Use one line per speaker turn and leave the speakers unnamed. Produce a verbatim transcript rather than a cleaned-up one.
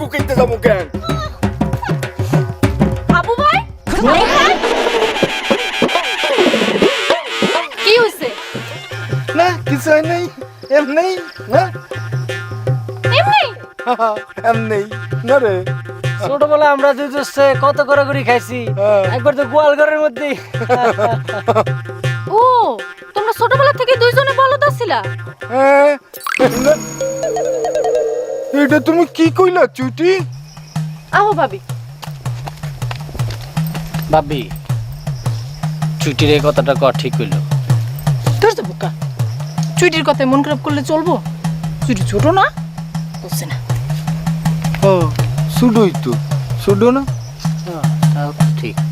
কুকাইতে যাবো কেন?
বাবু ভাই কি হইছে?
না কিছু হয় নাই, এমনি না
এমনি
এমনি না রে।
ছোটবেলা আমরা দুই দোস্তে কত করে করে খাইছি,
হ্যাঁ।
একবার তো গোয়াল ঘরের মধ্যে।
ও তোমরা ছোটবেলা থেকে দুইজনে বলদ আছিলা?
হ্যাঁ, না। এটা তুমি কি কইলা চুটি?
আহো ভাবি।
ভাবি ছুটির এই কথাটা ক ঠিক হইল?
ধর তো বোকা, চুইটির কথায় মন খারাপ করলে চলবো? চুইটি ছোট না, বুঝছে না।
ও শুডুই তো শুডু না।
হ্যাঁ, তাও ঠিক।